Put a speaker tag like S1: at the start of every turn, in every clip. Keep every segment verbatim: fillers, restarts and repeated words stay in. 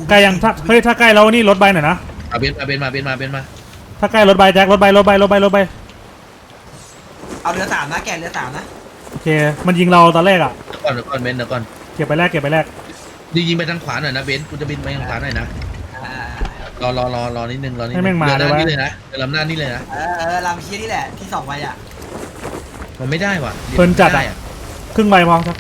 S1: ใกล้ยังถ้าเฮ้ยถ้าใกล้แล้วนี่รถใบหน่อยนะ
S2: เอาเบนมาเบนมาเบนมาเบนมา
S1: ถ้าใกล้รถใบแจ็ครถใบรถใบรถใบรถใบ
S3: เอาเรือสามนะแกเรือสามนะ
S1: โอเคมันยิงเราตอนแรกอ่ะ
S2: ก่อนเดี๋ยวก่อนเบนเดี๋ยวก่อน
S1: เก็บไปแรกเก็บไปแรก
S2: ยิงยิงไปทางขวาหน่อยนะเบนกูจะบินไปทางขวาหน่อยนะรอรอรอรอนิดนึงรอนิดนึงเรือลำนี่เลยนะเรือลำหน้านี่เลยนะ
S3: เออเออลำเชียนี่แหละที่สองไปอ่ะ
S2: มันไม่ได้ว่ะ
S1: เพิ่นจัดอ่ะครึ่งใบพอครับ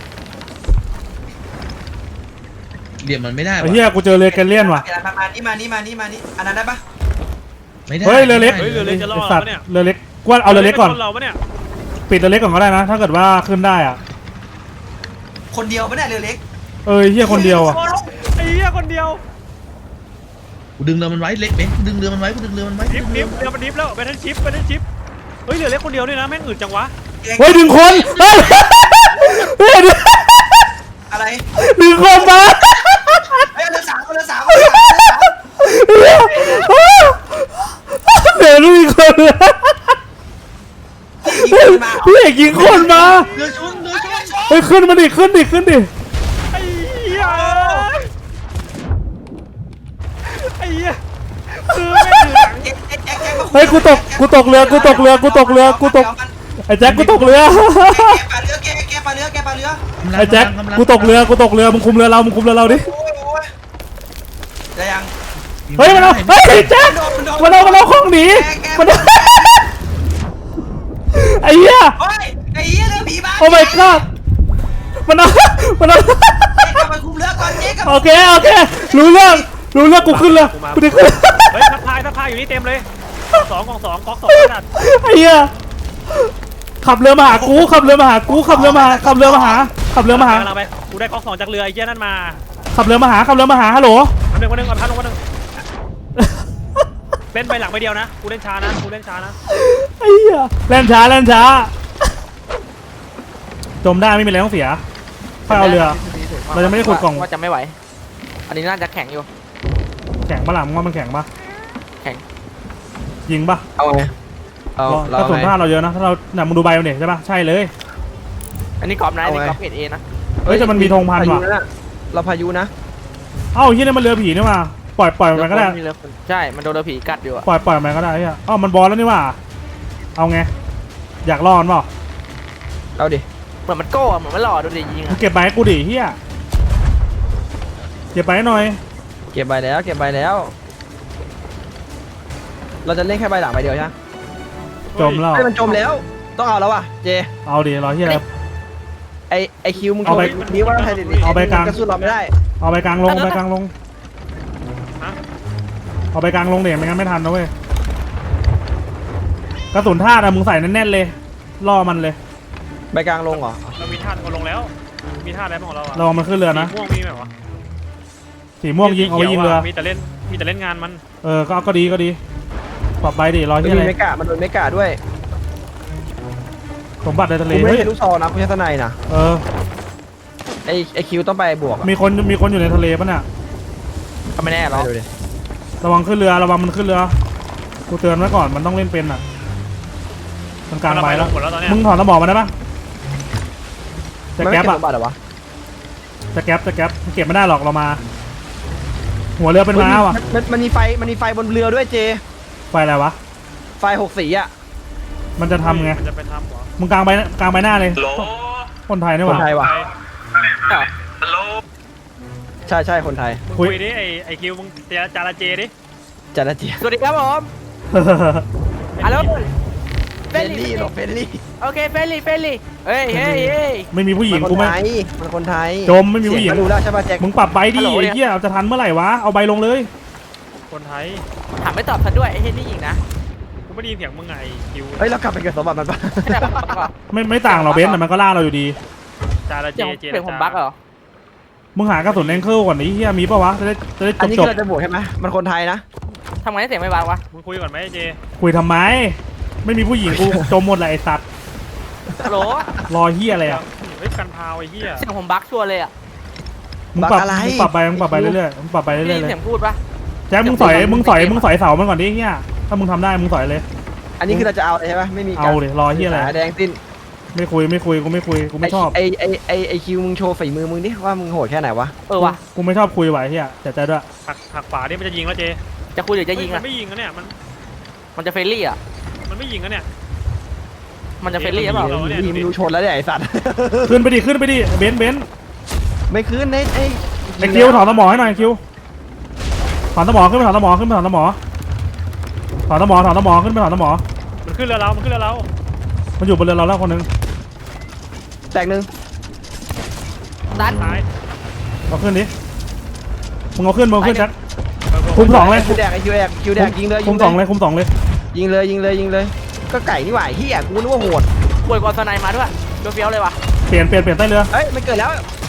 S2: เหลี่ยมมันไม่ได้
S1: ไอ้เหี้ยกูเจอเรือแกเลียนว่ะ
S3: มานี่มานี่มานี่มานี่อันนั้นได้ปะ
S2: ไม่ได้
S1: เฮ้ยเรือเล็ก
S4: เรือเล็กจะรอดแล้วเนี่ย
S1: เรือเล็กกว่าเอาเรือเล็กก่อน
S4: เราปะเนี่ย
S1: ปิดเรือเล็กก่อนก็ได้นะถ้าเกิดว่าขึ้นได้อ่ะ
S3: คนเดียวปะเนี่ยเรือเล็ก
S1: เออเหี้ยคนเดียวอ่ะ
S4: ไอ้เหี้ยคนเดียว
S2: กูดึงเรือมันไว้เล็กเบนกูดึงเรือมันไว้กูดึงเรือมันไว้
S4: ดิฟดิฟเรือมันดิฟแล้วไปทั้งชิปไปทั้งชิปเฮ้ยเรือเล็กคนเดียวนี่นะแม่งอึดจังวะ
S1: เฮ้ยดึงคนเฮ้ย
S3: อะไร
S1: ดึงคนมา
S3: เฮ้ยเรือสามเรือสาม
S1: เดี๋ยวดูอีกคนเลยพี่เอกยิงคนมา
S2: เรือชนเรือชน
S1: เฮ้ยขึ้นมาดิขึ้นดิขึ้นดิ
S4: ไอ้เหี้ยไอ้เหี้ยคือแม่งถือหลัง
S1: เฮ้ยกูตกกูตกเรือกูตกเรือกูตกเรือกูตกไอ้แจ็คกูตกเรือ
S3: แกปลาเรือแกแกปลาเรือแกปลาเรือ
S1: ไอ้แจ็คกูตกเรือกูตกเรือมึงคุมเรือเรามึงคุมเรือเราดิ
S3: จะยัง
S1: เฮ้ยมันเอาเฮ้ยแจ็คมันเอามันเอาของหนีมันไอ้เหี้ย
S3: เฮ้ยไอ้เหี้ยเรือผีบ้า
S1: โอ้ my god มันเอามันเอา
S3: กลับไปคุมเรือก่อนเจ๊กับ
S1: โอเคโอเครู้เรื่องรู้เรื่องกูขึ้นเลยกูได้ขึ้น
S4: เฮ้ยทักทายทักทายอยู่นี่เต็มเลยสองกองสองก๊อกสองขนาด
S1: ไอ้เหี้ยขับเรือมาหากูขับเรือมาหากูขับเรือมาขับเรือมาหาขับเรือมาหา
S4: ไปกูได้ก๊อกสองจากเรือไอ้เจ้านั่นมา
S1: ขับเรือมาหาขับเรือมาหาฮัลโหล
S4: คนหนึ่งคนหนึ่งก่อนพันคนหนึ่งเล่นไปหลังไปเดียวนะกูเล่นช้านะกูเล่นช้านะ
S1: ไอ้เหี้ยเล่นช้าเล่นช้าจมได้ไม่มีอะไรต้องเสียค่อยเอาเรือเราจะไม่ได้ขุดกล่อง
S5: ว่าจะไม่ไหวอันนี้น่าจะแข็งอยู่
S1: แข็งปะล่ะมึงว่ามันแข็งปะ
S5: แข็ง
S1: ยิงปะ
S5: เอาไงเอา
S1: กระสุนผ้าเราเยอะนะถ้าเราเนี่ยมึงดูใบมันเนี่ยใช่ปะใช่เลย
S5: อันนี้กรอบไหนนี่กรอบเกรดเอนะ
S1: เฮ้ยแต่มันมีธงพันว่ะ
S5: เราพายุนะ
S1: เอ้าที่นี่มันเรือผีนี่มาปล่อยปล่อยมันก็ได้
S5: ใช่มันโดนเรือผีกัดอยู่อะ
S1: ปล่อยปล่อยมันก็ได้เฮ้ยอ้าวมันบอลแล้วนี่ว่าเอาไงอยากรอดเปล่า
S5: เอาดิเหมือนมันโก้เหมือนมันหล่อดูดิยิง
S1: เก็บใบกูดิเฮียเก็บใบหน่อย
S5: เก็บใบแล้วเก็บใบแล้วเราจะเล่นแค่ใบหลังใบเดียวใช่ไหม
S1: จมแล้ว
S5: มันจมแล้วต้องเอาแล้วว่ะเจ
S1: เอาดิรอที่อะไร
S5: ไอไอคิวมึงเอาไปนี้ว่าไทยดิ
S1: เอาไปกลาง
S5: กระสุนเราไม่ได้
S1: เอาไปกลางลงไปกลางลงเอาไปกลางลงเดี๋ยวไม่งั้นไม่ทันนะเว้ยกระสุนธาตุอะมึงใส่แน่นๆเลยล่อมันเลย
S5: ใบกลางลงเหรอ
S4: เรามีธาตุก็ลงแล้วมีธาตุอะไรของเราอะ
S1: เรามันขึ้นเรือนะ
S4: ม่วงมีไหมวะ
S1: สีม่วงยิงเอาไว้ยิงเรือ
S4: มีแต่เล่นมีแต่เล่นงานมัน
S1: เออก็ก็ดีก็ดีปรับใบดิรอที่อะไร
S5: ไม่กะมันโดนไม่กะด้วย
S1: สมบัติในทะเล
S5: ไม่เห็นลูกซองนะคุณชัตนายนะ
S1: เออ
S5: ไอไอคิวต้องไปบวก
S1: มีคนมีคนอยู่ในทะเลป่ะเนี่ย
S5: ก็ไม่แน่หรอก
S1: ระวังขึ้นเรือระวังมันขึ้นเรือกูเตือนไว้ก่อนมันต้องเล่นเป็นอ่ะมันกลางใบแล้วมึงถอนสมองมาได้ปะจะแก๊ปอ่ะจะแก๊ปจะแก๊ปเก็บไม่ได้หรอกเรามาหัวเรือเป็นม้าว่ะ
S5: มันมันมีไฟมันมีไฟบนเรือด้วยเจ
S1: ไฟอะไรวะ
S5: ไฟหกสีอ่ะ
S1: มันจะทำไง
S4: มันจะไปทำเหรอ
S1: มึงกลางใบกลางใบหน้าเลยคนไทยนี่หว่า
S5: คนไทยว่ะใช่ใช่คนไทย
S4: คุยดิไอไอคิวมึงจาราเจดิ
S5: จาราเจสวัสดีครับผมฮัลโหลเฟลลี่หรอเฟลลี่โอเคเฟลลี่เฟลลี่เฮ้ยเฮ้ยเฮ้ย
S1: ไม่มีผู้หญิงกูไม่
S5: มันคนไทย
S1: จมไม่มีผู้หญิง
S5: ดูแล้วใช่ป่ะแจ็ค
S1: มึงปรับใบดิไอ้เหี้ยจะทันเมื่อไหร่วะเอาใบลงเลย
S4: คนไทย
S5: ถามไม่ตอบซะด้วยไอ้เฮนนี่หญิงนะ
S4: กูไม่ได้ยินเสียงมึงไงคิว
S5: เฮ้ยเรากลับไปเกิดสมบัติมันปะ
S1: ไม่ไม่ต่างเราเบนแต่มันก็ล่าเราอยู่ดี
S4: จาราเจเจ
S5: เป็นผมบั๊กเหรอ
S1: มึงหากระสุนแองเกิลก่อนไอ้เหี้ยมีปะวะจะได้จะได้จบจบ
S5: อันนี้เราจะบวกใช่ไหมมันคนไทยนะทำไมเสียงไม่บั๊กวะ
S4: มึงคุยก่อนไหมเจ
S1: คุยทำไมไม่มีผู้หญิงกูจมหมดเลยไอ้สัตว์
S5: ฮัลโหล
S1: รอเหี้ยอะไรอ่ะ
S4: เฮ้ยกันพาวไอ้เหี้ย
S5: เสียงผมบั๊กชัวร์เลยอ่ะ
S1: มึงปรับมึงปรับไปมึงปรับไปเรื่อยๆมึงปรับไปเรื่อยๆเลย
S5: เสียงพูดปะ
S1: แจ็คมึงสอยมึงสอยมึงสอยเสามันก่อนดิเหี้ยถ้ามึงทำได้มึงสอยเลย
S5: อันนี้คือเราจะเอาใช่ไหมไม่มี
S1: เอาเลยรอเหี้ยอะไร
S5: แดงสิ้น
S1: ไม่คุยไม่คุยกูไม่คุยกูไม่ชอบ
S6: ไอไอไอไอคิวมึงโชว์ฝีมือมึงดิว่ามึงโหดแค่ไหนวะ
S5: เออว่ะ
S1: กูไม่ชอบคุยไหวเฮียแต่ใจด้วย
S4: หักหักขวานี่มันจะยิงแล้วเจ
S5: จะคุยหรือจะยิง
S4: มั
S5: อ่ะ
S4: นไม่ยิงนะเนี่ยมัน
S5: มันจะเฟรนลี่อ่ะ
S4: มันไม่ยิงนะเนี่ย
S5: มันจะเฟรนลี่หรือเปล่า
S4: เราเนี่ย
S6: ทีมดูชนแล้วเนี่ยไอสัตว์
S1: ขึ้นไปดิขึ้นไปดิเบนซ์เบนซ์
S6: ไม่คืนไอไอ
S1: ไอคิวถอนสมอให้หน่อยคิวถอนสมอขึ้นไปถอนสมอขึ้นไปถอนสมอถอนสมอถอนสมอขึ้นไปถอนสมอ
S4: มันขึ้นเรือเรามันขึ้นเรือเรา
S1: มันอยู่บนเรือเราแล้วคนนึง
S6: แตกหนึ่ง
S5: ดัน
S4: ตาย
S1: เอาขึ้นดิมึงเอาขึ้นมึงเอาขึ้น
S5: ไป
S1: แจ็คคุมสองเลย
S6: คิวแดกไอคิวแดกคิวแดกยิงเลย
S1: คุมสองเลยคุมสองเลย
S6: ยิงเลยยิงเลยยิงเลยก็ไก่นี่หว่าเฮียกูนึกว่าโหด
S5: ป่วยกว่าสไนมาด้วยเฟี้ยวๆเลยว่ะ
S1: เปลี่ยนเปลี่ยนเปลี่ยนใต้เรือ
S6: เอ้ยมันเกิดแล้ว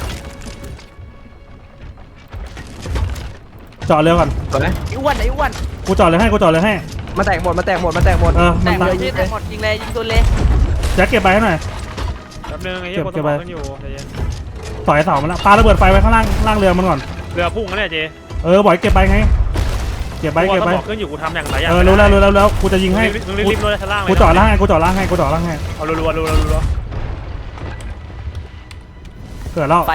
S1: จอดเรือก่อน
S6: เกิดไหม
S5: ไอ้อ้วนไอ้อ้วน
S1: กูจอดเลยให้กูจอดเลยให้
S6: มาแตกหมดมาแตกหมดมาแตกหมด
S1: เออ
S5: แต่
S1: มัน
S5: หม
S1: ตา
S5: ด
S1: ย
S5: ที่แต่หมดยิงเลยยิงตัวเลย
S1: แจ็คเก็บไปให้หน่อย
S4: แป๊บนึงไอ้เหี้ย
S1: เก็
S4: ค
S1: บ
S4: น
S1: เก็
S4: ส
S1: บ
S4: ม
S1: ไว้
S4: องกันอยู่ใจเย็น
S1: ต่อยเสามันละปาระเบิดไฟไว้ข้างล่างล่างเรือมันก่อน
S4: เรือพุ่งนะเนี่ยเจ
S1: เออบ่อยเก็บไปไงเก็บไป
S4: กู
S1: เก็บ
S4: ส
S1: ไป
S4: มองขึ้นอยู่กูทำอย่างไรอย่าง
S1: เออรู้แล้วรู้แล้วรู้แล้วกูจะยิงให้
S4: มึงรีบๆลงชั้นล่างเลย
S1: กูจอดล่างให้กูจอดล่างให้กูจอดล่างให้
S4: เอารัวๆรัวๆรัว
S1: เกิดแล้ว
S5: ไป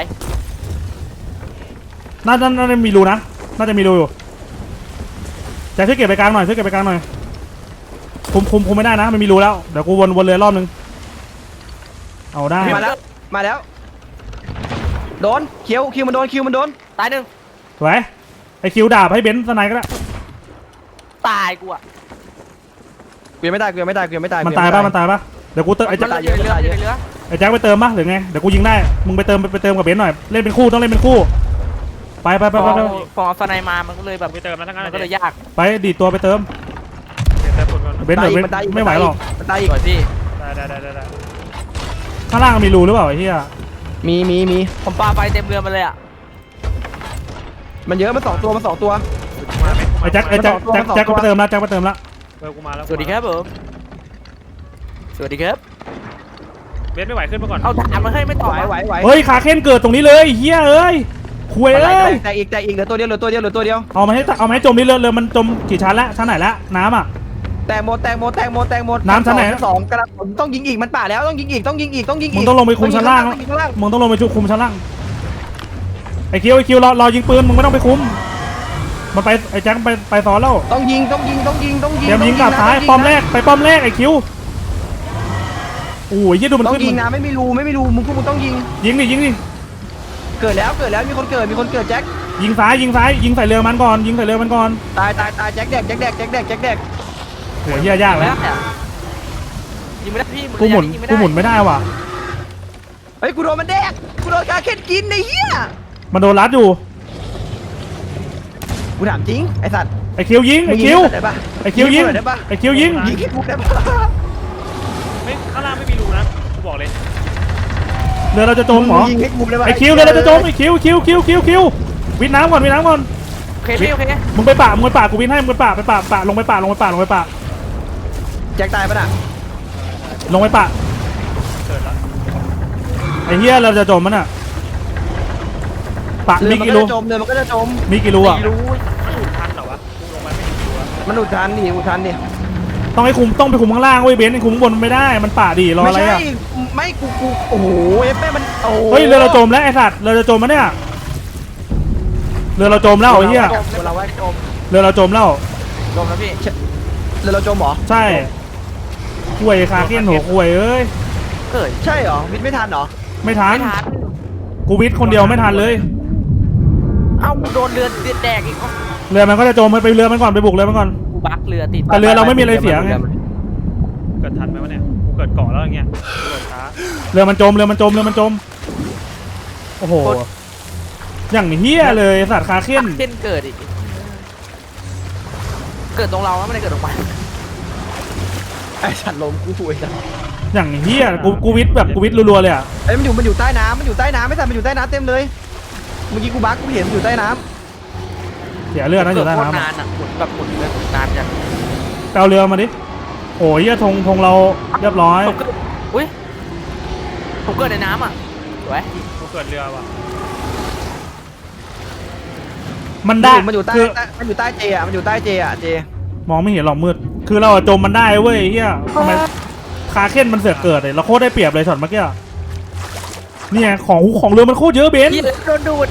S1: น่าจะน่าจะมีรูนะน่าจะมีรูอยู่แจ็คช่วยเก็บไปกลางหน่อยช่วยเก็บไปกลางหน่อยคุมคุมคุมไม่ได้นะมันมีรูแล้วเดี๋ยวกูวนวนเรือรอบนึงเอาได้
S6: มาแล้วมาแล้วโดนคิวคิวมันโดนคิวมันโดน
S5: ตายหนึ่ง
S1: สวยไอคิวดาบให้เบนซ์สไนก็ได้
S5: ตายกูอ่ะ
S6: กูยังไม่ตายกูยังไม่ตายกูยังไม่ตาย
S1: มันตายป่ะมันตายป่ะเดี๋ยวกูเติมไอ
S5: มั
S1: แจ็
S5: น
S1: ค
S5: อยู่ในเรืออยู่ในเรือ
S1: ไอแจ็คไปเติมป่ะหรือไงเดี๋ยวกูยิงได้มึงไปเติมไปเติมกับเบนซ์หน่อยเล่นเป็นคู่ต้องเล่นเป็นคู่ไปไปไป
S5: พ
S1: ไป
S5: อ
S1: ไป
S5: พอสไนมามันก็เลยแบบ
S4: ๆไปเติมแล้วทั้งนั้น
S5: มัน
S4: เจ
S5: ก็เลยยาก
S1: ไปดีดตัวไปเติม
S4: เติมผลก่อน
S1: เบนซ์เดี๋ยวเบนซ์ไม่ไหวหรอก
S6: มันตายอี
S5: ส
S6: ก
S5: วยพี่
S4: ได้ได้ได้ได้
S1: ข้างล่างมีรูหรือเปล่าไอ้เหี้ย
S6: มีมีมี
S5: ผมปาไฟเต็มเรือมาเลยอ่ะ
S6: มันเยอะมันสองตัวมันสองตัว
S1: ไอ้แจ็คไอ้แจ็คแจ็คแจ็คก็ไปเติมแล้วแจ็คไปเติมแล้ว
S4: เออกูมาแล้ว
S5: สวัสดีครับผมสวัสดีครับ
S4: เบนไม่ไหวขึ้นมาก่อน
S5: เอาถามมาให้ไม่ตอบ
S6: ไหวไหวไหว
S1: เฮ้ยขาเค้นเกิดตรงนี้เลยเหี้ยเอ้ยคุย
S6: แต
S1: เอ้ย
S6: กแตกอีกแตกอีกเหลือตัวเดียวเหลือตัวเดียวเหลือตัวเดียว
S1: เอามาให้เอามาให้จมนี่เรือเรือมันจมกี่ชั้นแล้วชั้นไหนแล้วน้ำอ่ะ
S6: แตกหมดแตกหมดแตกหมดแตกหมด
S1: น้ำชั้นไหน
S6: สองกระผมต้องยิงอีกมันป่าแล้วต้องยิงอีกต้องยิงอีกต้องยิงอีก
S1: มึงต้องลงไปคุมชั้นล่าง
S6: ต้องยิข้างล่าง
S1: มึงต้องลงไปชุบคุมชั้นล่างไอ้คิวไอ้คิวรอรอยิงปืนมึงไม่ต้องไปคุมมันไปไอ้แจ็คไปไปซ้อนแล้ว
S6: ต้องยิงต้องยิงต้องยิงต้องยิง
S1: เตรียมยิงกลับ
S6: นะ
S1: ซ้าย
S6: ต้ง
S1: ป้อมแรกไปป้อมแรกไอ้คิวโอ้ยยี่ดูมัน
S6: ต้อง
S1: ขึ้น
S6: ยิงนะไม่มีรูไม่มีรูมึงพวกมึงต้องยิง
S1: ยิงดิยิงดิ
S6: เกิดแล้วเกิดแล้วมีคนเกิดมีคนเกิดแจ็ค
S1: ยิงซ้ายยิงซ้ายยิงใส่เรือมันก่อนยิงใส่เรือมันก่อน
S6: ตายตายตายแจ็คแดกแจ็คแดกแจ็คแดกแจ็คแดก
S1: โหเหี้ยยาก
S5: ไม่
S1: แล้ว
S5: ได้อะยิงไม่ได้พี่
S1: กูหมุน
S5: ยิงไม่
S1: กู
S5: ได้
S1: หมุนไม่ได้ว่ะ
S6: เฮ้ยกูโดนมันแดกกูโดนคาเคนกินไอ้เหี้ย
S1: มันโดนรัดอยู่
S6: กูถามจริงไอ้สัตว์
S1: ไอ้คิวยิงไอ้คิว
S6: ได้ปะ
S1: ไอ้คิวยิง
S6: ได้ปะ
S1: ไอ้คิวยิง
S6: ยิงให้กูได้ปะ
S4: ไม่ข้างล่างไม่มีรูนะกูบอกเลย
S1: เรือเราจะจมเหรอ
S6: ยิงให้กูได้ปะ
S1: ไอ้คิวเรือเราจะจมไอ้คิวคิวคิวคิวคิววิทน้ำก่อนวิทน้ำก่อน
S5: โอเคพี่โอเค
S1: มึงไปป่ามึงไปป่ากูวิทให้มึงไปป่าไปป่าป่าลงไปป่าลงไปป่าลงไปป่า
S6: แจ็คตายปะน่ะ
S1: ลงไปป่า
S4: เกิดแล้ว
S1: ไอ้เหี้ยเราจะจมมันอ่ะป่า
S6: เรื
S1: มี
S6: อมัน
S1: กี่
S6: ก็
S1: รู
S6: จะจมเรือมันก็จะจม
S1: มีกี่รูอ่ะ
S5: ไม่รู้
S4: สูดทันเหรอวะกูลงไปไม่ถึงตัว
S6: มันอุดทันดิอุดทันดิ
S1: ต้องให้คุมต้องไปคุมข้างล่างเว้ยเบนซ์ไอ้คุมข้างบนมันไม่ได้มันป่าดีรอ
S6: ไม่
S1: อะไร
S6: ใช่
S1: อ่ะ
S6: ไม่กูกูโอ้โหเอฟแม่มันโอ้โห
S1: เฮ้ยเรือเราจมแล้วไอ้สัตว์เรือเราจมมั้ยเนี่ยเรือเราจมแล้วไอ้เหี้ย
S6: เราไว้จม
S1: เรือเราจมแล้ว
S5: จมแล้วพี่
S6: เรือเราจมเหรอ
S1: ใช่ห่วยคาเก้นหัวห่วยเอ้ย
S5: เกิด
S6: ใช่เหรอวิทย์ไม่ทันเหรอ
S1: ไม่ทัน
S5: ไม่ทัน
S1: กูวิทย์คนเดียวไม่ทันเลย
S5: เอ้าโดนเรือแดกอีก
S1: เรือมันก็จะจมไปเรือมันก่อนไปบุกเรือมันก่อน
S5: กูบักเรือติด
S1: แต่เรือเราไม่มีอะไรเสียไง
S4: เกิดทันไหมวะเนี่ยกูเกิดเกาะแล้วอย่างเงี้ยกูเกิดช้า
S1: เรือมันจมเรือมันจมเรือมันจมโอ้โหอย่างเฮี้ยเลยสัตว์คาเค้น
S5: เส้นเกิดอีกเกิดตรงเราไม่ได้เกิดตรงมัน
S6: ไอ้สัตว์ลมกูป่วยจัง
S1: อย่างเฮี้ยกูกูวิทย์แบบกูวิทย์รัวๆเลยอ่ะ
S6: เอ้ยมันอยู่มันอยู่ใต้น้ำมันอยู่ใต้น้ำไม่ทันมันอยู่ใต้น้ำเต็มเลยเมื่อกี้กูบักกูเห็นมันอยู่ใต้น้
S1: เสียเรือนะอยู่ใต้
S5: โคตร
S1: น้ำ
S5: นานอ่ะหมุนแบบหมุนเลยหมุนนานจัง
S1: ไปเอาเรือมาดิโอ้ยเฮี้ยธงธงเราเรียบร้อย
S5: ผมเกิดอุ้ยผมเกิดในน้ำอ่ะสวย
S4: กูเกิดเรือว่ะ
S1: มัน
S6: ำ
S1: ได้
S6: มันอยู่ใต้
S1: คือ
S6: มันอยู่ใต้เจอ่ะมันอยู่ใต้เจอ่ะเจ
S1: มองไม่เห็นหรอกมืดคือเราอะจมมันได้เว้ยเฮี้ยทำไมคคาเคนมันเสือกเกิดเลยเราโคตรได้เปรียบเลยช็อตเมื่อกี้เนี่ยของของเรือมันโคตรเยอะเบน
S5: ยี่โดนดูด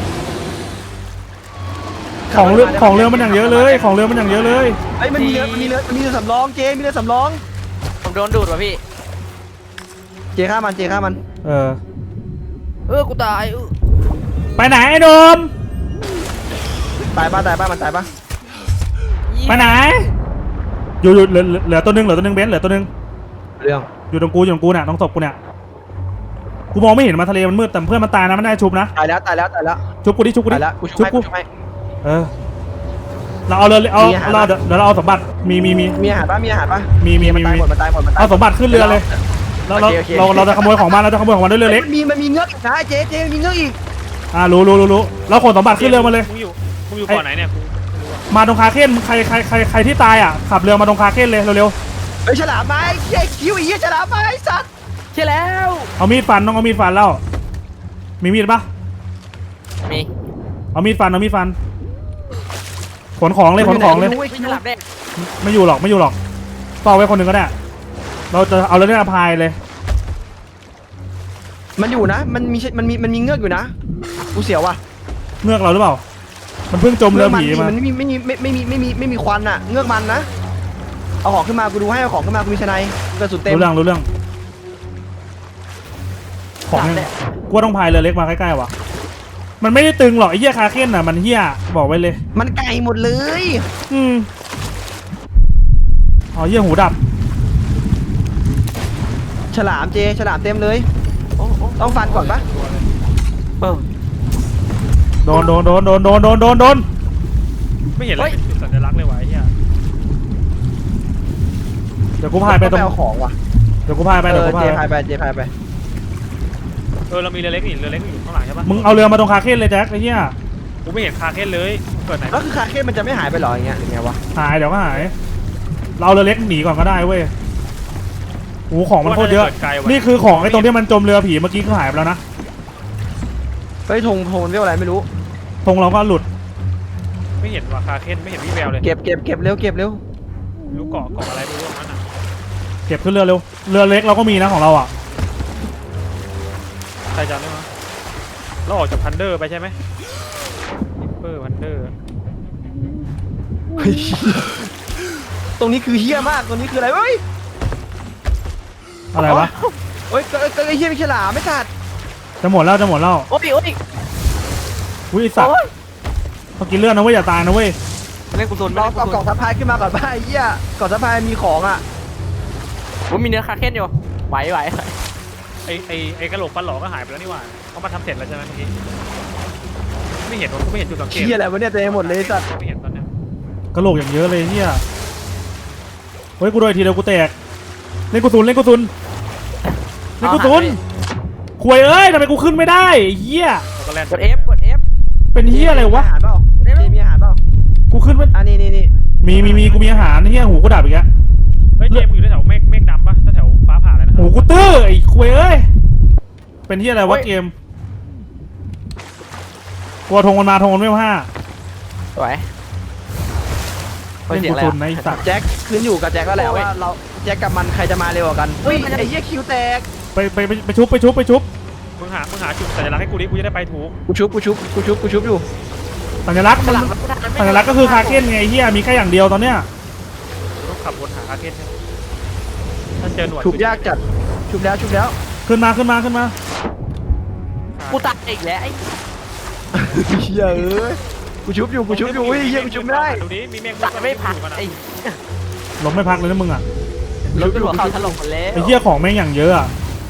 S1: ของเรือของเรือมันอย่างเยอะเลยของเรือมันอย่างเยอะเลย
S6: ไอ้ยมันมีเรือมันมีเรือมันมีเรือสำรองเจมีเรือสำรอง
S5: ผมโดนดูดว่ะพี่
S6: เจฆ่ามันเจฆ่ามัน
S1: เออ
S5: เออกูตายเออ
S1: ไปไหนไอ้โดม
S6: ตายป่ะตายป่ะมันตายป่ะ
S1: ไปไหนอยู่อยู่เหลือเหลือตัวหนึงเหลือตัวหนึงเบนเหลือตัวหนึง
S6: เรื่อง
S1: อยู่ตรงกูอยู่ตรงกูเนี่ยตรงศพกูเนี่ยกูมองไม่เห็นมาทะเลมันมืดแต่เพื่อนมันตายนะมันได้ชุบนะ
S6: ตายแล้วตายแล้วตายแล้ว
S1: ชุบกูดิชุบกูดิ
S6: ตายแล้วกูช่วย
S1: กู
S6: กูช่วย
S1: เออเราเอาเลยเอา
S6: มีอาหาร
S1: เราเดี๋ยวเดี๋ยวเราเอาสมบัติมีมีมี
S6: มีอาหารป่ะมีอาหารป่ะ
S1: มีมี
S6: มัน
S1: มี
S6: ตาย
S1: มี
S6: หมดมันตายหมดมันตาย
S1: เอาสมบัติขึ้นเรือเลยเราเรา
S6: โอเคโอเค
S1: เราเราจะขโมยของมันเราจะขโมยของมันด้วยเรือเล็ก
S6: มันมีมันมีเงือกอีกนะเจเจมีเงือกอีก
S1: อ่ารู้รู้รู้รู้เราขนสมบัติขึ้นเรือมาเลย
S4: มึงอยู่มึงอยู่ก่อนไหนเนี่ยกูไม่รู้อะ
S1: มาตรงคาเคนใครใครใครใครที่ตายอ่ะขับเรือมาตรงคาเคนเลยเร็ว
S6: ไอ้ยฉลามไหมเจ๊คิวอีฉลามไหมไอ้สัตว์
S5: ใช่แล้ว
S1: ๆเอามีดฟันต้องเอามีดฟันแล้วมีมีดปะ
S5: มี
S1: เอามีดฟันเอามีดฟันขนของเลยขนของเลย
S6: ไม่รู้ว้
S5: ไม่ฉลามแดง
S1: ไม่อยู่หรอกไม่อยู่หรอกต่อไว้คนหนึ่งก็ได้เราจะเอาเรือเนี่ยพายเลย
S6: มันอยู่นะมันมีมันมีมันมีเงือกอยู่นะกูเสียวว่ะ
S1: เงือกเราหรือเปล่ามันเพิ่งจมเรือผีมา
S6: มันไม่มีไม่มีไม่ไม่มีไม่มีไม่มีควันอะเงือกมันนะเอาของขึ้นมากูดูให้เอาของขึ้นมากูมีชนัยกระสุนเต็ม
S1: รู้เรื่องรู้เรื่องของเนี่ยกูว่าต้องพายเรือเล็กมาใกล้ๆว่ะมันไม่ได้ตึงหรอกไอ้เหี้ยคาเคนน่ะมันเหี้ยบอกไว้เลย
S6: มันไก่หมดเลย
S1: อืมอ๋อเหี้ยหูดับ
S6: ฉลามเจฉลามเต็มเลย
S5: โอ้โอ้
S6: ต้องฟันก่อนปะ
S5: เออ
S1: โดนโดนโดนโดนโดนโดนโดนโดน
S4: ไม่เห็นอะไรเป็นจุดสัญลักษณ์เลยวะไอ้เหี้ย
S1: เดี๋ยวกูพายไปตรง
S6: เอาของว่ะ
S1: เดี๋ยวกูพายไป
S6: เอ
S1: เดี๋ยว
S6: อ
S1: กู
S6: เจ
S1: พาย
S6: พายไปเจพายไป
S4: เออเรามีเรือเล็กนี่เรือเล็กอยู่ข้างหลังใช่ปะ
S1: มึงเอาเรือมาตรงคาเคนเลยแจ็คไอ้เหี้ย
S4: กูไม่เห็นคาเคนเลยเกิดไหน
S6: แล้วคือคาเคนมันจะไม่หายไปหรออย่างเงี้ยหรือไงวะ
S1: หายเดี๋ยวก็หาย เราเอาเรือเล็กหนีก่อนก็ได้เว้ยโอ้โหของมันโคตรเยอะ นี่คือของไอ้ตรงที่มันจมเรือผีเมื่อกี้ก็หายไปแล้วนะ
S6: เฮ้ยธงธงมันเรียกอะไรไม่รู้
S1: ธงเราก็หลุด
S4: ไม่เห็นว่าคาเคนไม่เห็นวี่แววเลย
S6: เก็บเก็บเก็บเร็วเก็บเร็ว
S4: ไม่รู้เกาะเกาะอะไรไม่รู้ของมันอ่ะ
S1: เก็บขึ้นเรือเร็ว เรือเล็กเราก็มีนะของเราอ่ะ
S4: ใครจำได้มั้ยเราออกจากพันเดอร์ไปใช่ไหมนิปเปอร์พันเดอร์
S6: เฮ้ยตรงนี้คือเฮี้ยมากตรงนี้คืออะไรเฮ้ย
S1: อะไรวะ
S6: เฮ้ยก็ก็ไอ้เฮี้ยไม่ฉลามไม่สัตว์
S1: จะหมดแล้วจะหมดแล้ว
S5: โอ้ยโอ้ย
S1: อุ้ยไอ้สัตว์
S5: โอ้ย
S1: ต้องกินเลือดนะเว้ยอย่าตายนะเว้ย
S5: เล่นกุศล
S6: ลอง
S5: เล่นกุ
S6: เอา
S5: ศ
S6: กล่อ
S5: ล
S6: งสะพายขึ้นมาก่อนป่ะไอ้เหี้ยกล่องสะพายมีของอ่ะ
S5: ผมมีเนื้อคาเคนอยู่ไหวไหว
S4: ไอไอไอกระโหลกฟันหลอก็หายไปแล้วนี่หว่าเขามาทำเสร็จแล้วใช่ไหมเมื่อกี้ไม่เห็นว่ากูไม่เห็นจุดสังเกต
S6: เหี้ยอะไรวะเนี่ยเต็มหมดเลยไอ้สัตว์
S4: ไม่เห็นตอนเนี้ย
S1: กระโหลกอย่างเยอะเลยเฮียเฮ้ยกูโดนอีกทีเดียวกูแตก เล่นกูซุนเล่นกูซุนเล่นกูซุนควยเอ้ยทำไมกูขึ้นไม่ได้ไอ้เฮีย
S4: แล้วก็แล่น
S5: กด F กด F
S1: เป็นเฮียอะไรวะ
S6: มีอาหารเปล่าเจมีอาหารเปล่า
S1: กูขึ้นไม่
S6: อ่ะนี่นี่นี่
S1: มีมีมีกูมีอาหารเฮียหูกูดับอีกแล้ว
S4: เฮ้ยเจมส์มึงอยู่แถวเมฆเมฆดำปะแถวฟ้าผ่าเลยนะ
S1: หูกูตื้อไอ้ควยเอ้ยเป็นเฮียอะไรวะเกมกลัวธงมันมาธงมันไม่มาห้า
S5: สวย
S1: เล่นกูซุนนะไอ้สัตว์
S6: แจ็คขึ้นอยู่กับแจ็คก็แหละว่าเราแจ็คกับมันใครจะมาเร็วกว่ากันเฮ้ยไอ้เหี้ยคิวแตก
S1: ไปไปไปไปชุบไปชุบไปชุบ
S4: มึงหามึงหาจุดสัญลักษณ์ให้กูดิกูจะได้ไปถูก
S6: กูชุบกูชุบกูชุบกูชุบอยู่
S1: สัญลักษณ์มันสัญลักษณ์ก็คือคาเก้นไงไอ้เฮียมีแค่อย่างเดียวตอนเนี้ย
S4: ต้องขับวนหาคาเคนใช่ไหมถ้าเจอหนวด
S6: ชุบยากจัดชุบแล้วชุบแล้ว
S1: ขึ้นมาขึ้นมาขึ้นมา
S5: กูตัดอีกแล้วไอ้
S6: เหี้ยเอ้ยกูชุบอยู่กูชุบอยู่เฮ้ยเหี้ยกูชุบไม่ได้
S4: ดูดิมีเมฆ
S5: ตัดไม่พัก
S4: อยู่นอะ
S5: ไอ้
S1: ล้มไม่พักเลยนะมึงอ่ะ
S5: รถหัวเข่าถล่มหมดแล้ว
S1: ไอ้เฮียของแม่งอย่างเยอะอ่ะ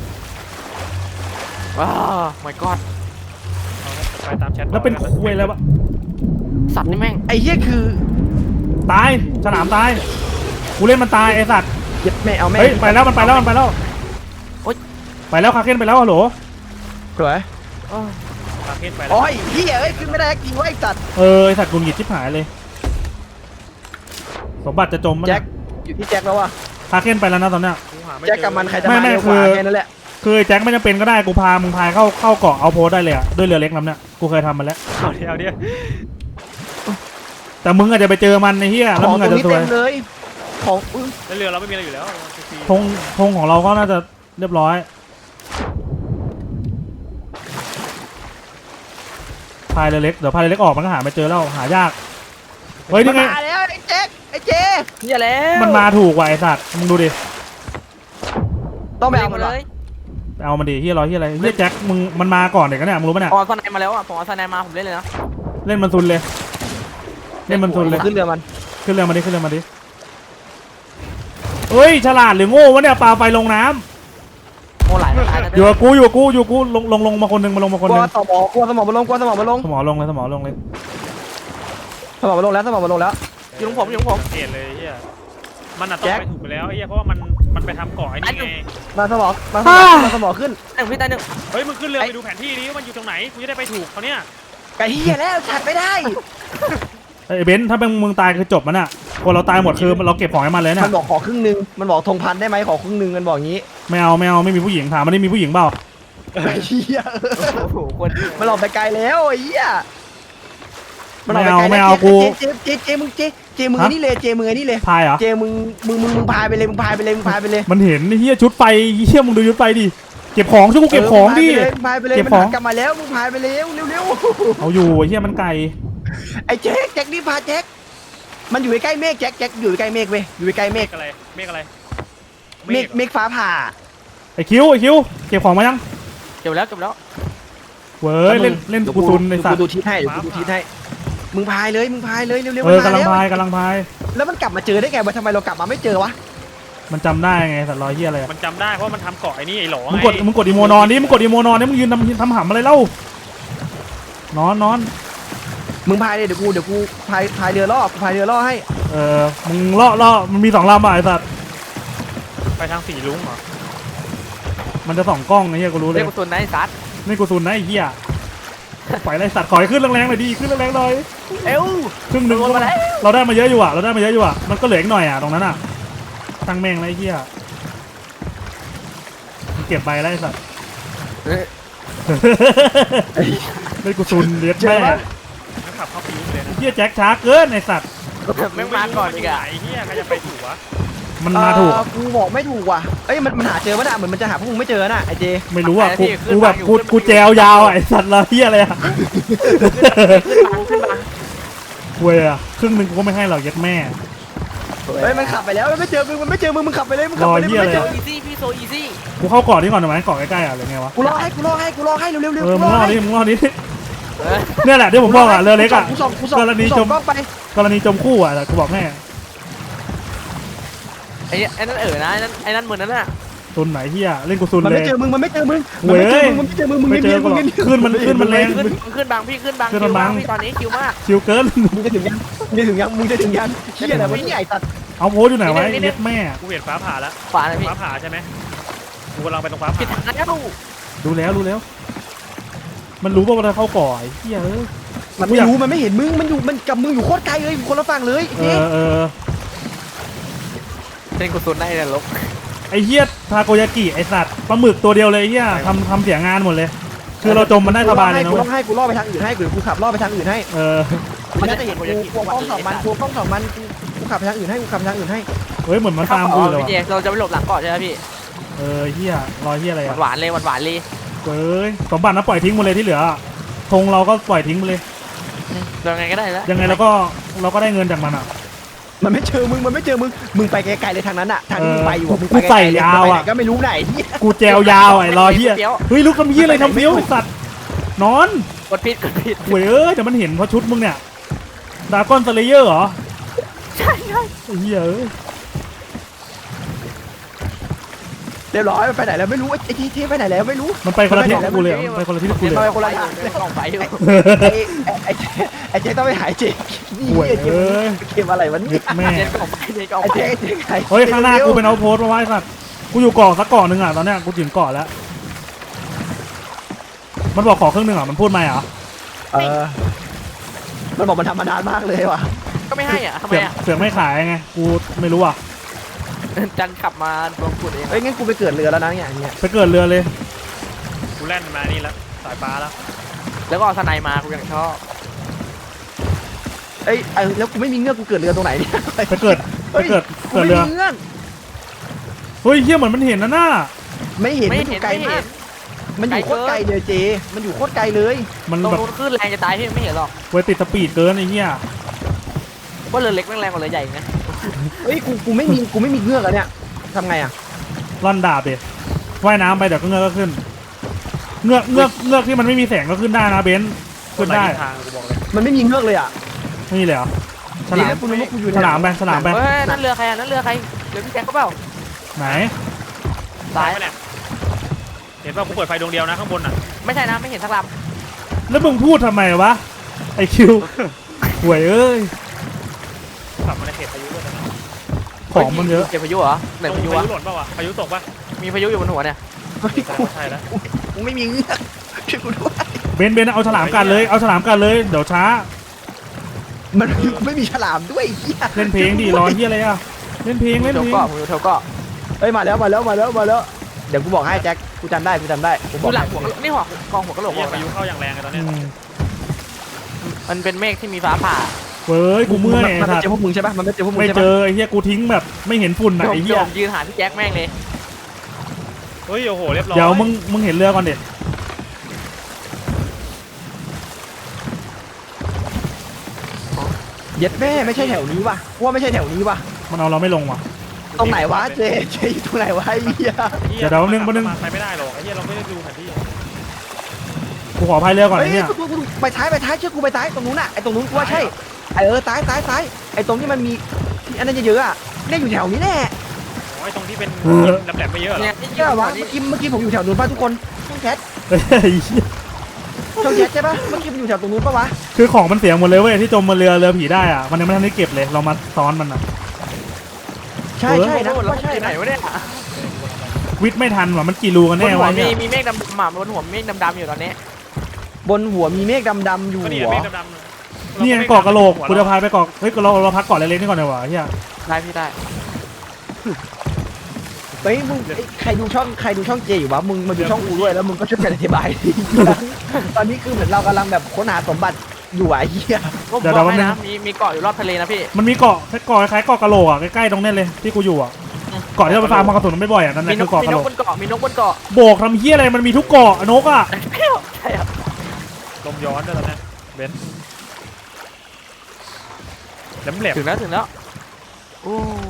S5: ว้าว my god
S4: ไปตามแชท
S1: แล้วเป็นคุยแล้ววะ
S5: สัตว์นี่แม่ง
S6: ไอ้เหี้ยคือ
S1: ตายฉลามตายกูเล่นมันตายไอ้สัตว์
S6: เย็บแม่เอาแม่
S1: เฮ้ยไปแล้วมันไปแล้วมันไปแล้ว
S5: โอ๊ย
S1: ไปแล้วคาเคนไปแล้วฮัลโหล
S6: สวย
S4: คาเคนไปแล้ว
S6: โอ้ยเหี้ยเอ้ยขึ้นไม่ได้จริงวะไอ้สัตว์
S1: เออไอ้สัตว์กุนหงิดชิบหายเลย สมบัติจะจมมั้ย
S6: แจ็คอยู่ที่แจ็คแล้วว่ะ
S1: คาเคนไปแล้วนะตอนเนี้ย
S4: กูหาไม่
S6: แจ็ค
S4: เจอ
S6: กับมันใครจะ
S1: ไม่
S6: มา
S1: ไม่
S6: เร็วก
S1: คื
S6: ว่า
S1: อ
S6: แค่นั้นแหละ
S1: คือไอ้แจ็คไม่จำเป็นก็ได้กูพามึงพายเข้าเข้าเกาะเอาโพสได้เลยอ่ะด้วยเรือเล็กลำเนี้ยกูเคยทำมาแล้ว
S4: เอาเดียวเดียว
S1: แต่มึงอาจจะไปเจอมันในเฮีย
S6: ข
S1: แล้ว
S6: อง
S1: มึง
S6: ตร
S1: อาจ
S6: ง
S1: จะ
S6: นี้
S1: ซว
S6: เต็
S1: ย
S6: มเลยของอุ๊ย
S4: แล้วเรือเราไม่มีอะไรอยู่แล้วฟรี
S1: ธงธงของเราก็น่าจะเรียบร้อยพายเรือเล็กเดี๋ยวพายเรือเล็กออกมันก็หาไม่เจอแล้วหายากเฮ้ย
S6: มั
S1: นี่
S6: น
S1: ไง
S6: มาแล้วไอ้เจ๊กไอ้เจ๊
S5: อย่าแล้ว
S1: มันมาถูกว่ะไอสัตว์มึงดูดิ
S6: ต้องไปเอามัน
S5: เล
S6: วะ
S5: ย
S1: ไปเอามันดิเฮียร้อยเฮียอะไรเฮียแจ็คมึงมันมาก่อนเด็กกันเนี่ยมึงรู้ปะเนี่ย
S5: ผมเอาสไนมาแล้วอ่ะผมเอาสไนมาผมเล่นเลยนะ
S1: เล่นมันซุนเลยเล่นมันซุนเลย
S6: ขึ้นเรือมัน
S1: ขึ้นเรือมาดิขึ้นเรือมาดิเฮ้ยฉลาดหรือโง่วะเนี่ยปลาไฟลงน้ำ
S5: โอ้หลายหลาย
S1: อยู่กับกูอยู่กับกูอยู่กับกูลงลงลงมาคนหนึ่งมาลงมาคน
S6: ก
S1: ห
S6: ลัว
S1: นึ่ง
S6: สมองกลัวสมองมาลงกลัวสมองมาลง
S1: สมอลงเลยสมอลงเลย
S6: สมองมาลงแล้วสมองมาลงแล้ว
S5: อยู่ของผมอยู่ของผม
S4: สังเกตเลยเฮียมันอ่ะต้อ
S6: แจ็
S4: ง
S6: ค
S4: ไปถูกไปแล้วไอ้เฮียเพราะว่ามันมันไปทำเกาะไอ้นี่ไง
S6: มาสมองมาสมองมาสมองขึ้น
S5: หนึ่งพี่ตายหนึ่ง
S4: เฮ้ยมึงขึ้นเรือไปดูแผนที่นี้ว่ามันอยู่ตรงไหนกูจะได้ไปถูกเขาเนี่ย
S6: ไก่เหี้ยแล้วฉัดไม่ได้
S1: ไอ้เบนซ์ถ้าเป็นมึงตายคือจบมันอ่ะคนเราตายหมดคือเราเก็บของให้มันเลยเนี่
S6: มั
S1: ย
S6: นบอกขอครึ่งหนึงมันบอกธงพันได้ไหมขอครึ่งหนึงมันบอกงี้
S1: ไม่เอาไม่เอาไม่มีผู้หญิงถามมันได้มีผู้หญิงเปล่า
S6: ไอ้เหี้ย
S5: โอ้โหคน
S6: มันหลอกไปไกลแล้วไอ้เหี้ยมันหลอก
S1: ไม่
S6: ไป
S1: เอา
S6: ไกล
S1: ไม่
S6: แล้ว
S1: เอากู
S6: เจเจเจเจมึงเจเจมึงไอ้นี่เลยเจมึงไอ้นี่เลย
S1: พายเหรอ
S6: เจมึงมึงมึงมึงพายไปเลยมึงพายไปเลยมึงพายไปเลย
S1: มันเห็นไอ้เฮียชุดไฟเฮียมึงดูชุดไฟดิเก็บของช่วยกูเก็บของดิ
S6: มึงพายไปเลย
S1: เก็บ
S6: มัน
S1: ของ
S6: หันกลับมาแล้วมึงพายไปเร็วเร็วเร็ว
S1: เอาอยู่ไอ้เฮียมันไก่
S6: ไอ้แจ็คแจ็คนี่พาแจ็คมันอยู่ใกล้เมฆแจ็คแจ็คอยู่ใกล้เมฆเว้ยอยู่ใกล้เม
S4: เม
S6: ฆ
S4: ฆอะไรเมฆอะไร
S6: เมฆเมฆฟ้าผ่า
S1: ไอ้คิวไอ้คิวเก็บของมายัง
S5: เก็บแล้วเก็บแล้ว
S1: เว้ยเล่นเล่นกูซุนในสัต
S6: กู
S1: ว์
S6: ดูทิศให้เดี๋ยวกูดูทิศให้มึงพายเลยมึงพายเลยเร็วๆ
S1: เออ
S6: มัน
S1: กำลัง
S6: แล้ว
S1: พายกำลังพาย
S6: แล้วมันกลับมาเจอได้ไงวะทำไมเรากลับมาไม่เจอวะ
S1: มันจำได้ไงสัตว์รอยเฮียอะไรอะ
S4: มันจำได้เพราะมันทำเกาะไอ้นี่ไอ้หลอ
S1: มึง
S4: ไง
S1: กดมึงกดอีโมนอนดิมึงกดอีโมนอนดิมึงยืนทำทำหำอะไรเล่านอนนอน
S6: มึงพายเลยเดี๋ยวกูเดี๋ยวกูพายพายเรือล่อกูพายเรือล่อให้
S1: เออมึงเลาะเลาะมันมีสองลำอ่ะไอ้สัตว์
S4: ไปทางสีลุงเหรอ
S1: มันจะส่องกล้องไอ้เฮียกูรู้เล
S5: เล่
S1: ย
S5: นกุศลนายซัด
S1: นี่กูซุนนะไอ้เฮียปล่อยไรสัตว์ขอให้ขึ้นแรงๆหน่อยดิขึ้นแรงๆหน่อย
S5: เอว
S1: ครึ่งหนึ่งเราได้มาเยอะอยู่อ่ะเราได้มาเยอะอยู่อ่ะมันก็เหลืออีกหน่อยอ่ะตรงนั้นอ่ะตั้งแม่งไรเฮียมึงเก็บใบไรสัตว์นี่กูซุนเลี้ยงแม่
S4: งั้นขับเข้าปีไปเลยนะ
S1: เฮียแจ็คช้าเกินไอ้สัตว์
S5: แม่งมาก่อนอีกอ่ะ
S4: ไอ้เฮียใครจะไปถูกวะ
S1: มันมาถูก
S6: เอ่อกูบอกไม่ถูกว่ะเอ้ยมันมันหาเจอปะน่ะเหมือนมันจะหาพวกมึงไม่เจอน่ะไอ้เจ
S1: ไม่รู้อ่ะกูกูแบบกูกูแจวยาวอ่ะไอ้สัตว์เราเฮียอะไรอ่ะ
S5: ขึ้นบังขึ้นบัง
S1: เว้ยอ่ะครึ่งหนึ่งกูก็ไม่ให้หรอกยัดแม่
S6: เฮ้ยมันขับไปแล้วมันไม่เจอมึงมันไม่เจอมึงมึงขับไปเลยมึงขับไปเลย
S1: รอเหี้
S6: มึ
S1: ย
S6: งไม่เจอ
S5: อีซี่พี่โซอีซี่
S1: กูเข้าเกาะนี่ก่อนได้ไหมเกาะใกล้ๆอ่ะหรือไงวะ
S6: กูรอให้กูรอให้กูรอให้เร็วเร็วเร็ว
S1: เออมึ
S6: กู
S1: ง
S6: ร
S1: ร
S6: อ
S1: อ
S6: ให้
S1: ดิมึงรอดิ
S5: เออ
S1: เนี่ยแหละที่ผมบอกอ่ะเรือเล็กอ่ะ
S6: กูส่องกูส่อง
S1: กรณี
S6: กู
S1: จ
S6: ส่อ
S1: ม
S6: งกล้องไป
S1: กรณีจมคู่อ่ะแต่กูบอกแม่
S5: ไอ้ไอ้นั่นเออนะไอ้นั่นไอ้นั่นเหมือนนั่นน่ะ
S1: ตุนไหนเฮียเล่นกูซุน
S6: มัน
S1: เล
S6: ไม่
S1: ย
S6: เจอมึงมันไม่เจอมึง
S1: เว้
S6: มัน
S1: ย
S6: ไม่เจอมึงมึงไม่เจอมึงมึง
S1: ไม่
S6: เงี
S1: เจ
S6: ย
S1: อบ
S6: ๆ
S1: กู
S6: มึ
S1: ห
S6: ง
S1: รอก
S6: เงียบๆ
S1: ขึ้นมันขึ้นมันแรง
S5: ขึ้นขึ้นบังพี่ขึ้นบัง
S1: ขึ้นบัง
S5: พี่ตอนนี้คิวมาก
S1: ชิวเกิน
S6: มึงจะถึงยังมึงจะถึงยังมึงจะถึงยังเชี่ยอะไรวะเนี่ยไอ้สัตว์
S1: เอาโพสอยู่ไหนวะเย็ดแม่
S4: กูเห็นฟ้าผ่าแล้ว
S5: ขวาเลยพี่
S4: ฟ้าผ่าใช่ไหมกูกำลังไปตรงฟ้า
S5: ผิด
S4: ผ่า
S5: ทางแล้ว
S1: ดูแล้วรู้แล้ว มันรู้ว่าเราเข้าเก่อไอ้เฮียเออ
S6: มันไม่รู้มันไม่เห็นมึงมันอยู่มันกับมึงอยู่โคตรไกลเลยอยู่คนละฝั่งเลย
S1: เออเออ
S5: เล่นกุศลในนรก
S1: ไอ้เฮียทาโกยากิไอ้สัตว์ปลาหมึกตัวเดียวเลยไอ้เฮียทำทำเสียงานหมดเลย คือเราจมมันได้สบายเลยนะ
S6: กู
S1: เว้
S6: ล่อย ให้กูล่อไปทางอื่นให้กูกูขับล่อไปทางอื่นให้
S1: เออ
S6: มันจะเห็นกูกลัวกล้องสองมันกลัวกล้องสองมันกูกูขับไปทางอื่นให้กูขับไปทางอื่นให้
S1: เฮ้ยเหมือนมันตามกูเลย
S5: พี่เจ
S1: ว่ะ
S5: เราจะไปหลบหลังเกาะใช่ไหมพี่
S1: เออเฮียรอยเฮียอะไรอ่ะ
S5: หวานเลยหวานหวานเลย
S1: เฮ้ยสมบัตินะปล่อยทิ้งหมดเลยที่เหลือธงเราก็ปล่อยทิ้งไปเลย
S5: ยังไงก็ได้แล้ว
S1: ยังไงเราก็เราก็ได้เงินจากมันอ่ะ
S6: มันไม่เจอมึงมันไม่เจอมึงมึงไปไกลๆเลยทางนั้นอะทางที่มึงไปอยู่อะมึง
S1: กู
S6: ไปไก
S1: ใส่
S6: ลๆเลย
S1: ยาว
S6: ไปไห
S1: อะ
S6: นก็ไม่รู้ไหนเหี้ย
S1: กูแจวยาวไอ้รอยเฮียเฮ้ยลูกทำเฮียอะไรทำเฟี้ยวไอ้สัตว์นอน
S5: กดผิดกดผิด
S1: เว้ยเอ้ยแต่มันเห็นเพราะชุดมึงเนี่ยดราก้อนสเลเยอร์เหรอ
S5: ใช่ใช่
S1: ไอ้เฮียเอ้ย
S6: เรียบร้อยมันไปไหนแล้วไม่รู้ไอ้ที่ที่ไปไหนแล้วไม่รู้
S1: มันไปคนละทิศกับกูเลยมันไปคนละทิศกับกู
S5: เดี๋ยว
S1: เลย
S5: ไปคนละอย่างเลยกล่องไฟอยู่
S6: ไอ้ไอ้ไอ้เจ๊ต้องไปหายเจ๊นี่
S1: ห่วย
S6: เจ๊
S1: เอ้ย
S6: เกมอะไรวะเนี่
S1: ยึ
S6: ย
S1: ดแม่
S5: เจ็ดกล่องไฟเจ็ดกล่อง
S6: ไอ้
S5: ไฟ
S6: เจ๊เจ๊ไ
S1: เฮ้ยข้างหน้ากูเป็นเอาโพสต์มาไว้สัตว์กูอยู่เกาะสักเกาะหนึ่งอ่ะตอนเนี้ยกูถึงเกาะแล้วมันบอกขอครึ่งหนึ่งอ่ะมันพูดไหมอ่ะ
S6: เออมันบอกมันทำมานานมากเลยว่ะ
S5: ก็ไม่ให้อ่ะทำไม
S1: เสือก
S5: อ่ะ
S1: เสือกไม่ขายไงกูไม่รู้อ่ะ
S5: จันขับมาลงขุดเอง
S6: เอ้ยงั้นกูไปเกิดเรือแล้วนะเนี่ยอย่างเงี้ย
S1: ไปเกิดเรือเลย
S4: กูแล่นมานี่แล้วสายฟ้าแล้ว
S5: แล้วก็เอาสไนมากูยังชอบ
S6: เอ้ยเอ้ยแล้วกูไม่มีเงือกกูเกิดเรือตรงไหนเนี่ย
S1: ไปเกิด
S6: เฮ้ย
S1: เกิด
S6: กู
S1: เกิด
S6: ไม่
S1: เรือ
S6: มีเงื่อน
S1: เฮ้ยเฮียเหมือนมันเห็นนะน่า
S6: ไม่เห็น
S5: ไม่
S6: มันอ
S5: เห็น
S6: ยู่ไกล
S5: ไม่
S6: มา
S5: เห็
S6: ก
S5: น
S6: มันอยู่โคตรไกลเลยเจ มันอยู่โคตรไกลเลย
S1: มัน
S5: ตรง
S1: แบบ
S5: นู้นขึ้นแรงจะตายพี่ไม่เห็นหรอก
S1: เวยติดสปีดเกินไอ้เหี้ย
S5: ว่าเรือเล็กแม่งแรงกว่าเรือใหญ่อีกนะ
S6: เฮ้ยกูกูไม่มีกูไม่มีเงื่อกอะเนี่ยทำไงอะ
S1: ร่อนดาบดิว่ายน้ำไปเดี๋ยวก็เงือกก็ขึ้น เงือกเงือกเงือกที่มันไม่มีแสงก็ขึ้นได้นะเบนซ์ขึ้นได้
S4: ทางกูบอกเลย
S6: มันไม่มีเงื่อกเลยอะ
S1: ไม่มีเลยเหรอฉ
S6: ดี
S1: ลาม
S6: นะกูนึกว่ากูอยู่ใน
S1: ฉลามไปฉลามไป
S5: เฮ้ยนั่นเรือใครอ่ะนั่นเรือใครเรือพี่แจ็คเขาเปล่า
S1: ไหน
S5: ซ้าย
S4: ไปแหละเห็นว่ากูเปิดไฟดวงเดียวนะข้างบนอ่ะ
S5: ไม่ใช่นะไม่เห็นสักล
S1: แล้วมึงพูดทำไมวะไอคิวห่วยเอ้ย
S4: ขับมาในเขตพายุด้วยนะ
S5: ำ
S1: ของมันเยอะ
S5: เก็บพายุเหรอไหน
S4: ตรง
S5: พายุ
S4: พายุ
S5: วะ
S4: หล่นป่าวะพายุตกป่ะ
S5: มีพายุอยู่บนหัวเนี่ย
S6: เฮ้ย
S4: แต่
S6: กู
S4: ว่าใช่แล้ว
S6: กูไม่มีเงื่อกช่วยกูด้วย
S1: เบนซ์เบนซ์เอาฉลามกันเลยเอาฉลามกันเลยเดี๋ยวช้า
S6: มันไม่มีฉลามด้วยไอ้เหี้ย
S1: เล่นเพลงดิรอเฮียอะไรอ่ะเล่นเพลงเล่น
S5: เท
S1: เพ
S5: ว
S1: ลง
S5: เกาะผมอยู่เทวเกาะ
S6: เฮ้ยมาแล้วมาแล้วมาแล้วมาแล้วเดี๋ยวกูบอกให้แจ็คกูจำได้กูจำได้กูบ
S5: ดู
S6: อก
S5: หลั
S6: ให้
S5: งหัวกะนี่หัวกองหัวกะโหลก
S4: เหี้ย
S5: บอก
S4: พา
S5: นะ
S4: ยุเข้าอย่างแรงเลยตอน
S1: อื
S4: เนี้ย
S1: ม
S5: มันเป็นเมฆที่มีฟ้าผ่า
S1: เว้ยกูเมื่อย
S6: มัน
S1: สั
S6: ไม่
S1: ต
S6: เจอพว
S1: ว์
S6: กมึงใช่ปะมันไม่เจอพวกมึง
S1: ไม่
S6: ใช่
S1: เจ
S6: ปะ
S1: อไอ้เฮียกูทิ้งแบบไม่เห็นฝุ่นไหน
S5: ผม
S1: ไอ้เฮี
S5: โย
S1: ย
S5: มยืนหาพี่แจ็คแม่งเลย
S4: เฮ้ยโอ้โหเรียบร้อย
S1: เดี๋ยวมึงมึงเห็นเรือก่อนเด็ด
S6: เย็ดแม่ไม่ใช่แถวนี้ว่ะกูว่าไม่ใช่แถวนี้ว่ะ
S1: มันเอาเราไม่ลงว่ะ
S6: ตรงไหนวะเจเจอยู่ตรงไหนวะไอ้เหี้ย
S4: หี้
S1: เดี๋ยวเดี๋ยวแป๊บนึงแป๊บนึง
S4: ไปไม่ได้หรอกไอ้เหี้ยเราไม่ได้ดูแผนที่
S1: กูขอพายเรือก่อน
S6: เฮ้
S1: ไอ้
S6: ย
S1: เนี่ย
S6: กูกูไปท้ายไปท้ายเชื่อกูไปท้ายตรงนู้นน่ะไอ้ตรงนู้นกูว่าใช่ไอ้เออซ้ายซ้ายซ้ายไอ้ตรงที่มันมีที่อันนั้นเยอะๆอ่ะเนี่ยอยู่แถวนี้แน่
S4: โอ้ยตรงที่เป็นแหลมๆไม่เยอะหรอ
S5: เนี่ยที่
S6: ใช่ป่ะวะ
S5: นี่
S6: เมื่อกี้เมื่อกี้ผมอยู่แถวนู้นป่ะทุกคนช่องแชท
S1: เฮ้ยไอ้เหี้ย
S6: ช่องแชทใช่ป่ะเมื่อกี้มันอยู่แถวตรงนู้นป่ะวะ
S1: คือของมันเสียหมดเลยเว้ยที่จมบนเรือเรือผีได้อ่ะมันยังไม่ทันได้เก็บเลยเรามาซ้อนมันอ่ะ
S6: ใช่ใช่นะ
S5: เรา
S6: ว่าใช่
S5: ที่ไหน
S6: นะ
S5: วะเนี่ย
S1: วิทย์ไม่ทันว่ะมันกี่รูกัน
S5: บ
S1: แน่
S5: นหัว
S1: วะ
S5: มี
S1: เนี่ย
S5: มีเมฆดำๆอ่ะบนหัวมีเมฆดำๆอยู่ตอนนี้
S6: บนหัวมีเมฆดำๆอยู่
S4: ก็นี่
S6: หัว
S4: เมฆดำๆ
S1: เนี่ยเกาะกระโหลกกูจะพายไปเกาะเฮ้ยเราเราพักเกาะเล็กๆนี่ก่อนดีกว่าเฮีย
S5: ได้พี่ได้
S6: เฮ้ยมึงไอ้ใครดูช่องใครดูช่องเจอยู่วะมึงมาดูช่องกูด้วยแล้วมึงก็ช่วยกันอธิบายดิ ตอนนี้คือเหมือนเรากำลังแบบค้นหาสมบัติอยู่อะไอ้เหี้ย
S5: ก็บอกให้นะมีมีเกาะอยู่รอบทะเลนะพี่
S1: มันมีเกาะแค่เกาะคล้ายๆเกาะกระโหลกอ่ะใกล้ๆตรงนี้เลยที่กูอยู่อ่ะเกาะที่เราไปฟาร์มมากระสุนไม่บ่อยอ่ะนั่นแห
S5: มี
S1: ละ
S5: น
S1: คื
S5: ก
S1: อเกาะ
S5: มี
S1: กระ
S5: น
S1: โหล
S5: ก
S1: ก
S5: บนเกาะมีนกบนเกาะ
S1: โบกทำเฮียอะไรมันมีทุกเกาะนกอ่ะ
S5: ใช่ครับ
S4: ลมย้อนด้วยตอนนี้เบนซ์แหลมแหลม
S5: ถึงแล้วถึงแล้วโอ้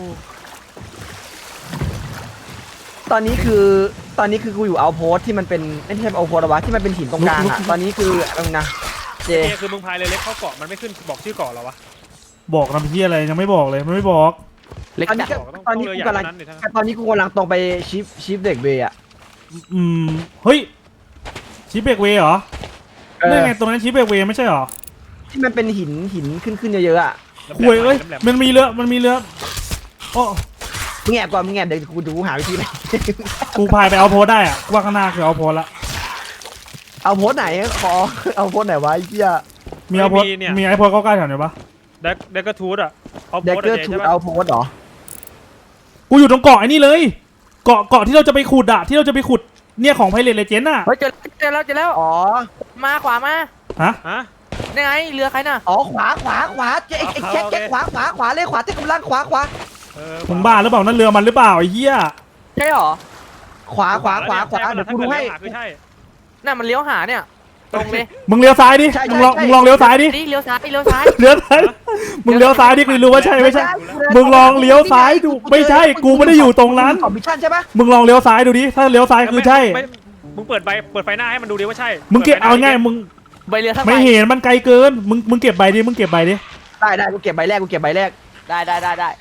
S6: ตอนนี้คือตอนนี้คือกูอยู่เอาโพสที่มันเป็นไม่ใช่เอาโพสหรอวะที่มันเป็นหินตรงกลางอะตอนนี้คืออะไรนะเจ
S4: เนี่ยคือมึงพายเรือเล็กเข้าเกาะมันไม่ขึ้นบอกชื่อเกาะหรอวะ
S1: บอกทำเฮียอะไรยังไม่บอกเลยมันไม่บอก
S5: เล็ก
S6: ตอนนี้
S5: จัด
S6: ก็ตอนนี้กูกำลัง
S4: นั้นดิทั้ง
S6: ตอนนี้กูกำลังตรงไปชิปชิปเด็กเบย์อะ
S1: อืมเฮ้ยชิปเบรกเวย์เหรอ
S6: เอ
S1: นี่
S6: อ
S1: ไงตรงนั้นชิปเบรกเวย์ไม่ใช่เหรอ
S6: ที่มันเป็นหินหินขึ้นขึ้นเยอะๆอะ
S1: คุยเอ้ยมันมีเรือมันมีเรือโอ้
S6: มึงแอบก่อนมึงแอบเดี๋ยวกูดูหาวิธีไป
S1: กูพายไปเอาโพสได้อ่ะว่าข้างหน้าคือเอาโพสละ
S6: เอาโพสไหนขอเอาโพสไหนวะไอ้เหี้ย
S1: มีเอาโพสมีไอโพสใกล้ๆแถวไหนปะ
S4: เด็กเด็กกระทูดอ่ะเอา
S6: เด็ก
S4: โพส
S6: เกอร์
S4: เจ
S6: ทู
S4: ใช่
S6: ด
S4: ปะ
S6: เอาโพสเหรอ
S1: กูอยู่ตรงเกาะไอ้นี่เลย เกาะเกาะที่เราจะไปขุดอะที่เราจะไปขุดเนี่ยของไพเรตเลเจนด์อะ
S5: เฮ้ยเจอเจอแล้วเจอแล้ว
S6: อ๋อ
S5: มาขวามา
S1: ฮะ
S4: ฮะ
S5: นี่ไงเรือใครน่ะ
S6: อ๋อขวาขวาขวาเจ๊ไอ้ไอ้แจ็คแจ็คขวาขวาขวาเลยขวาเจ๊กำลังขวาขวา
S4: เออ
S1: มึงบ้าหรือเปล่านั่นเรือมันหรือเปล่าไอ้เหี้ย
S5: ใช่หรอ
S6: ขวาขวาขวาขวาเดี๋ยวกูดูให้
S4: คือใช่
S5: น่ะมันเลี้ยวหาเนี่ยตรงเลย
S1: มึงเลี้ยวซ้ายดิ
S6: ใช่ใช่
S1: มึงลอง
S6: ใช่
S1: มึงลองเลี้ยวซ้ายดิ
S5: นี่เลี้ยวซ้ายเลี้ยวซ้าย
S1: เลี้ยวซ้ายมึงเลี้ยวซ้ายดิกูรู้ว่าใช่ไม่ใช่ มึงลองเลี้ยวซ้ายดูไม่ใช่กูไม่ได้อยู่ตรงนั้น
S6: ของมิชชั่นใช่ปะ
S1: มึงลองเลี้ยวซ้ายดูดิถ้าเลี้ยวซ้ายคือใช่
S4: ไม่มึงเปิดใบเปิดไฟหน้าให้มันดูดิว่าใช่
S1: มึงเก็บเอาง่ายมึง
S5: ใบเรือทั้งใบ
S1: ไม่เห็นมันไกลเกินมึงมึงเก็บใบดิมึงเก็บใบดิ
S6: ได้ได้กูเก็บใบแรกกูเก็บใบแรก
S5: ได้ได้ได้ได้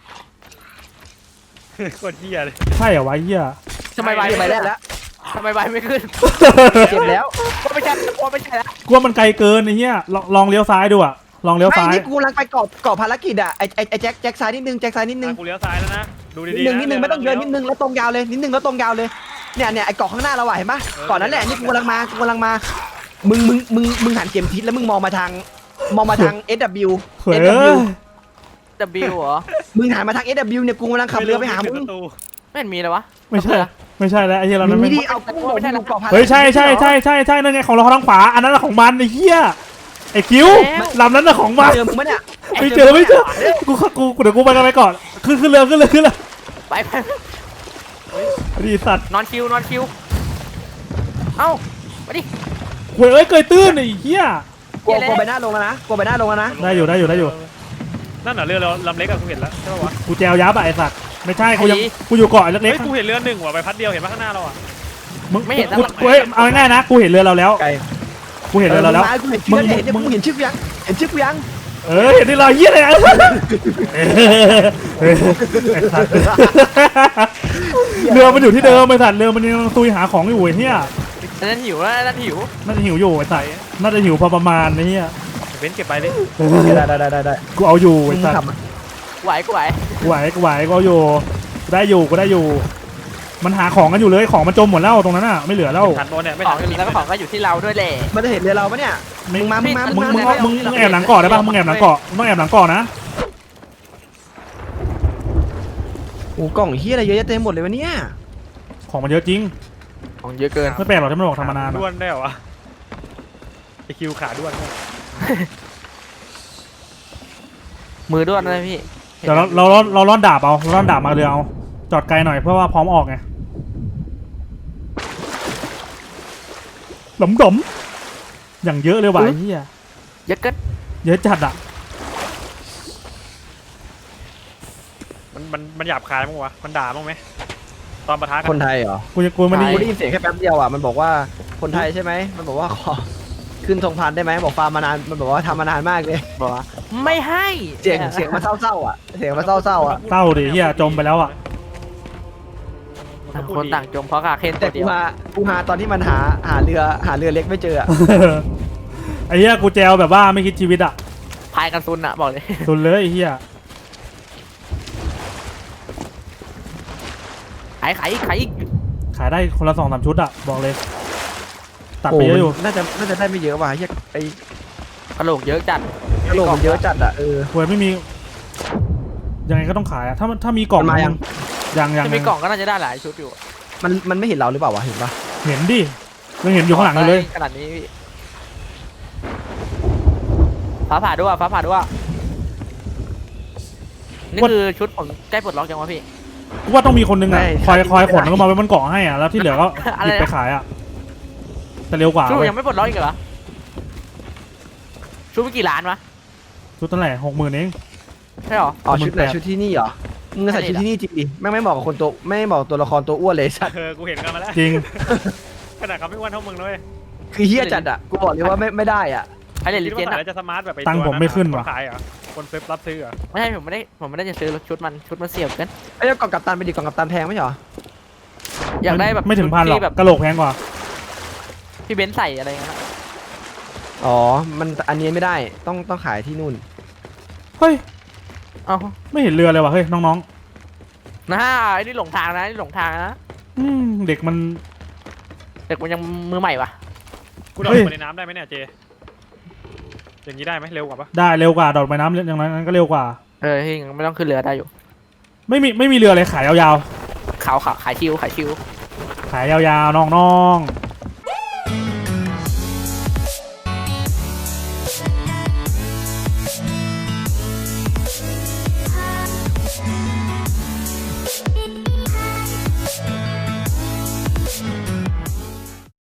S4: โคตรเหี้ยเลย
S1: ใช่เหรอวะไอ้เหี้ย
S5: ทำไมใบ
S6: เก็บใบแรกแล้ว
S5: ทำไมใบไม่ขึ้น
S6: เก็บแล้ว
S5: ว่าไม่ใช่ว่าไม่ใช่แล้ว
S1: กลัวมันไกลเกินไอ้เหี้ยลองลองเลี้ยวซ้ายดูอะลองเลี้ยว
S6: ไม่
S1: ซ้าย
S6: นี่กูกำลังไปเกาะเกาะภารกิจอ่ะไอ้ไอ้ไอ้แจ็คแจ็คซ้ายนิดนึงแจ็คซ้ายนิดนึง
S4: กูเลี้ยวซ้ายแล้วนะดู
S6: นิ
S4: ดี
S6: ด
S4: ๆ
S6: นึงนิดนึงไม่ต้องเยอะนิดนึงแล้วตรงยาวเลยนิดนึงแล้วตรงยาวเลยเนี่ยเนี่ยไอ้เกาะข้างหน้าเราอะเห็นปะเกาะนั้นแหละนี่กูกำลังมากูกำลังมามึงมึงมึงมึงหันเข็มทิศแล้วมึงมองมาทางมองมาทาง เอส ดับเบิลยู
S1: เฮ้ย
S6: เอส ดับเบิลยู
S5: W เหรอ
S6: มึงหันมาทาง เอส ดับเบิลยู เนี่ยกูกำลังขับเรือไปหามึง
S5: ไม่เห็นมีเลยวะ
S1: ไม่ใช่ไม่ใช่แล้วไอ้เหี้ยเรานั้น
S6: มึ
S1: ไม่
S6: งนี่เอากูบอกมึงเกาะภารกิจ
S1: เฮ้ยใช่ใช่ใช่ใช่ใช่นั่นไงของเราทางขวาอันนั้นน่ะของมันไอ้เหี้ยไอ้คิ้วลำนั้นน่ะของมัน
S6: เจอมึงปะเนี่ย
S1: ไม่เจอไม่เจอกูกูกูเดี๋ยวกูไปกันไปก่อนขึ้นขึ้นเรือขึ้นเรือขึ้นเรือ
S5: ไปไป
S1: ดีสัตว์
S5: นอนคิวนอนคิวเอ้ามาดิ
S1: เว้ยเอ้ยเกยตื้นไอ้เหี้ย
S6: กลัวกลัวใบหน้าลงแล้วนะกลัวใบหน้าลงแล้วนะ
S1: ได้อยู่ได้อยู่ได้อยู่
S4: นั่นเหรอเรือเราลำเล็กอะกูเห็นแล้วใช่ป่าวะ
S1: กูแจวยับอะไอ้สัตว์ไม่ใช่กูยังกูอยู่เกาะเล็
S4: เฮ้
S1: ก
S4: ยกูเห็นเรือหนึ่งว่ะใบพัดเดียวเห็นป่ะข้างหน้าเราอะ
S1: ๆมึงกูกูเฮ้ยเอาง่ายๆนะกูเห็นเรือเราแล้ว
S6: ไกล
S1: กูเห็นเรือเราแล้ว
S6: กูเห็นชื่อเห็นมึงเห็นชื่อกูยังเห็นชื่อกูยัง
S1: เออเห็นที่เราเหี้ยเลยไอ้สัตว์เรือมันอยู่ที่เดิมไอ้สัตว์เรือมันยังตุยหาของอยู่ไอ้เหี้ย
S5: นั่นหิวแล้วนั่นหิว
S1: น่าจะหิวอยู่ไอ้สัตว์น่าจะหิวพอประมาณไอ้เหี้ย
S4: เว้นเก็บไปดิ
S6: ได้ได้ได้ได้ได้
S1: กูเอาอยู่
S6: มึ
S1: ไอ้
S6: ง
S1: สัตว์
S6: ขับ
S5: ไหวกูไหว
S1: กูไหวกูไหวกูเอาอยู่กูได้อยู่กูได้อยู่ มันหาของกันอยู่เลยของมันจมหมดแล้วตรงนั้นอ่ะไม่เหลือแล้ว
S4: ทันโดนเนี่ยไม่
S5: ข
S4: ทั
S5: อน งแล้วก็ของก็อยู่ที่เราด้วยแหละ
S6: มันจะเห็นเรือเราปะเนี่ยมึงมามึงมา
S1: มึ
S6: มึ
S1: ง
S6: ง
S1: มึ
S6: มาง
S1: มึงมึงแอบหลังเกาะได้ป่ะมึงแอบหลังเกาะมึงต้องแอบหลังเกาะนะ
S6: โอ้กล่องเฮียอะไรเยอะแยะเต็มหมดเลยวะเนี่ย
S1: ของมันเยอะจริง
S5: ของเยอะเกิน
S1: ไม่แปลกหรอกที่มันบอกทำมานาน
S4: ด้วนได้เหรอวะไอคิวขาด้วน
S5: มือด้วนเลยพี่
S1: เดี๋ยวเราเราเราเราล่อนดาบเอาเราล่อนดาบมาเรือเอาจอดไกลหน่อยเพื่อว่าพร้อมออกไงหลมดมอย่างเยอะเลยว่ะไอ้เหี้ย
S5: เยอะเกิน
S1: เยอะจัดอ่ะ
S4: มันมันมันหยาบคายมั้งวะมันด่ามั้งไหมตอนปะทะกั
S6: คนไทยเหรอ
S1: กูจะกูไม่ได้
S6: กูได้ยินเสียงแค่แป๊บเดียวอ่ะมันบอกว่าคนไทยใช่ไหมมันบอกว่าขอขึ้นธงพันได้ไหมบอกฟาร์มมานานมันบอกว่าทำมานานมากเลย
S5: บอกว่าไม่ให้
S6: เสียงเสียงมันเศร้าๆอ่ะเสียงมันเศร้าๆอ่ะ
S1: เศร้าดิเหี้ยจมไปแล้วอ่ะ
S5: ต่างคนต่างจมเพราะกาเคน
S6: แต่
S5: ตัว
S6: กู
S5: เดียว
S6: หากูหาตอนที่มันหาหาเรือหาเรือเล็กไม่เจออ่ะ
S1: ไอ้เหี้ยกูแจวแบบว่าไม่คิดชีวิตอ่ะ
S5: พายกันซุนอะบอกเลย
S1: สุดเลยไอ้เหี้ย
S5: ขายขายอีกขายอีก
S1: ขายได้คนละสองสามชุดอ่ะบอกเลย ตัด
S6: โอ้
S1: ไปเยอะอยู่
S6: น่าจะน่าจะได้ไม่เยอะว่ะเฮียไอ้
S5: กระโหลกเยอะจัด
S6: กระโหลกมันเยอะจัดอ่ะเออ
S1: หวยไม่มียังไงก็ต้องขายอ่ะถ้ามันถ้ามีกล่อง
S6: มันมายัง
S1: ยังยัง
S5: ที่มีกล่องก็น่าจะได้หลายชุดอยู่
S6: มันมันไม่เห็นเราหรือเปล่าวะเห็นปะ
S1: เห็นดิยังเห็นอยู่ข้างหลังอยู่เลย
S5: ขนาดนี้พี่ฟ้าผ่าด้วยฟ้าผ่าด้วยนี่คือชุดผมใกล้ปลดล็อกยังวะพี่
S1: กูว่าต้องมีคนนึงอ่ะคอยคอยขนแล้วก็มาไว้บนเกาะให้อ่ะแล้วที่เหลือก็
S5: อะ
S1: ห
S5: ไร
S1: ยิบ
S5: นะ
S1: ไปขายอ่ะแต่เร็วกว่า
S5: ชุดผม
S1: เว้ย
S5: ยังไม่ปลดล็อกอีกเหรอชุดไม่กี่ล้านวะ
S1: ชุดตั้งแต่หกหมื่นเอง
S5: ใช่หรอ
S6: อ๋อชุดไหน
S1: มันแปลก
S6: ชุดที่นี่เหรอมึงใส่ชุดที่นี่จริงดิแม่งไม่เหมาะกับคนตัวไม่เหมาะกับตัวละครตัวอ้วนเลยสัตว์
S4: เออกูเห็นกันมาแล้ว
S1: จริง
S4: ขนาดเขาไม่อ้วนเท่ามึงเลย
S6: คือเฮียจัดอ่ะกูบอกเลยว่าไม่ไม่ได้อ่ะ
S5: ใครเล่นลิ
S4: คิด
S5: เจ
S4: ว่าน ใส่
S5: อะ
S4: แล้วจะสมาร์ทแบบไอ้
S1: ตังค์ผมไม่ขึ้นว่ะ
S4: ขายเหรอคนซื้อรับซื้อเหรอ
S5: ไม่ใช่ผมไม่ได้ผมไม่ได้จะซื้อชุดมันชุดมันเสียบเกิน
S6: ไอ้เจ้ากล่องกัปตันไปดิกล่องกัปตันแพงไหมเหรอ
S5: อยากได้แบบ
S1: ไม่ถึงพันหรอก
S5: ที่แบบ
S1: กระโหลกแพงกว่า
S5: พี่เบนซ์ใส่อะไรอย่างเงี้ย
S6: อ๋อมันอันนี้ไม่ได้ต้องต้องขายที่นู่น
S1: เฮ้ย
S5: เอ้า
S1: ไม่เห็นเรือเลยว่ะเฮ้ยน้อง
S5: นะไอ้นี่หลงทางนะนี่หลงทางนะ
S1: ๆอืมเด็กมัน
S5: เด็กมันยังมือใหม่ปะ
S4: กูโดด
S1: เฮ้ย
S4: ลงไปในน้ำได้ไหมเนี่ยเจอย่างนี้ได้ไหมเร็วกว่าปะ
S1: ได้เร็วกว่าดอดไปน้ำอย่างนั้นก็เร็วกว่า
S5: เออที่ไม่ต้องขึ้นเรือได้อยู่
S1: ไม่มีไม่มีเรือเลยขายยาว
S5: ขาวขาวขายชิวขายชิว
S1: ๆขายยาวๆน้องๆ